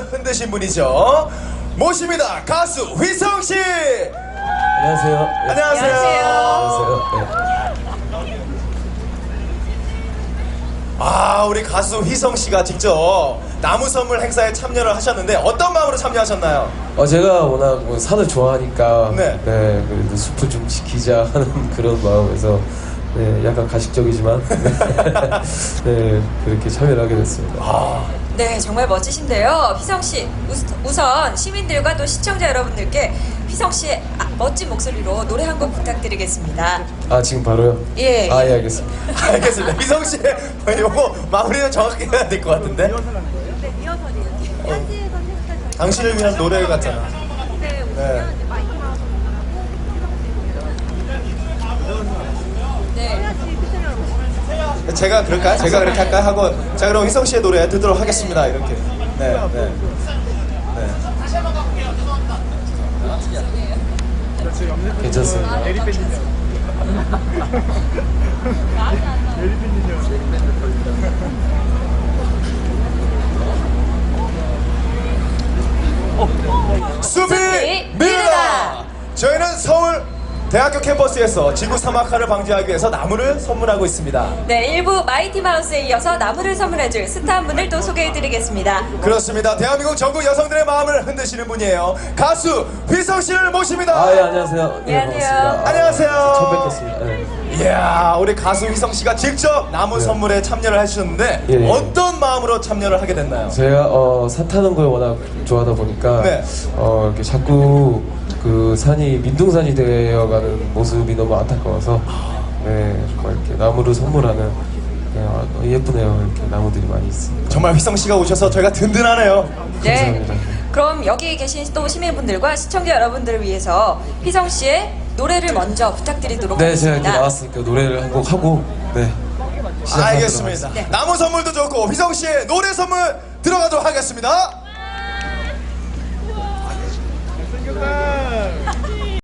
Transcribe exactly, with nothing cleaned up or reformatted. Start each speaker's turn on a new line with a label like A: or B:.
A: 흔드신 분이죠. 모십니다. 가수 휘성 씨.
B: 안녕하세요. 네.
A: 안녕하세요.
B: 안녕하세요. 네.
A: 아, 우리 가수 휘성 씨가 직접 나무 선물 행사에 참여를 하셨는데 어떤 마음으로 참여하셨나요?
B: 어, 제가 워낙 뭐 산을 좋아하니까
A: 네.
B: 네, 그래도 숲을 좀 지키자 하는 그런 마음에서 네, 약간 가식적이지만 네, 그렇게 참여를 하게 됐습니다.
A: 아,
C: 네, 정말 멋지신데요. 휘성 씨, 우선 시민들과 또 시청자 여러분들께 휘성 씨의 아, 멋진 목소리로 노래 한 곡 부탁드리겠습니다.
B: 아, 지금 바로요?
C: 예.
B: 아, 예, 알겠습니다.
A: 알겠습니다. 휘성 씨, 요거 마무리는 정확히 해야 될 것 같은데.
D: 네, 리허설이에요. 현지에서 했어요.
A: 당신을 위한 노래 같잖아.
D: 네,
A: 네.
D: 오시면 이제 마이크 나와서
C: 네.
D: 해야지 피처리 여러분.
A: 제가 그럴까요? 제가 그렇게 할까요? 하고 자, 그럼 휘성 씨의 노래 듣도록 하겠습니다. 이렇게. 네, 네. 네.
B: 괜찮습니다.
A: 숲이
C: 숲이
A: 미르다.
C: 미르다.
A: 저희는 서울 대학교 캠퍼스에서 지구 사막화를 방지하기 위해서 나무를 선물하고 있습니다.
C: 네, 일부 마이티 마우스에 이어서 나무를 선물해줄 스타 한 분을 또 소개해드리겠습니다.
A: 그렇습니다. 대한민국 전국 여성들의 마음을 흔드시는 분이에요. 가수 휘성 씨를 모십니다.
B: 아, 예, 안녕하세요. 예,
C: 안녕하세요.
B: 반갑습니다.
A: 안녕하세요.
B: 아, 처음 뵙겠습니다. 네.
A: 이야, 우리 가수 휘성 씨가 직접 나무
B: 네.
A: 선물에 참여를 하셨는데
B: 예, 예.
A: 어떤 마음으로 참여를 하게 됐나요?
B: 제가 어, 산 타는 걸 워낙 좋아하다 보니까
A: 네.
B: 어, 이렇게 자꾸 그 산이 민둥산이 되어가는 모습이 너무 안타까워서 네, 정말 이렇게 나무를 선물하는 네, 아, 예쁘네요. 이렇게 나무들이 많이 있습니다.
A: 정말 휘성 씨가 오셔서 저희가 든든하네요.
C: 네.
B: 감사합니다.
C: 그럼 여기 계신 또 시민분들과 시청자 여러분들을 위해서 휘성 씨의 노래를 먼저 부탁드리도록
B: 네, 제가 이렇게
C: 하겠습니다.
B: 나왔으니까 노래를 한 곡 하고 네, 시작하도록
A: 알겠습니다.
B: 하겠습니다.
C: 네.
A: 나무 선물도 좋고 휘성 씨의 노래 선물 들어가도록 하겠습니다.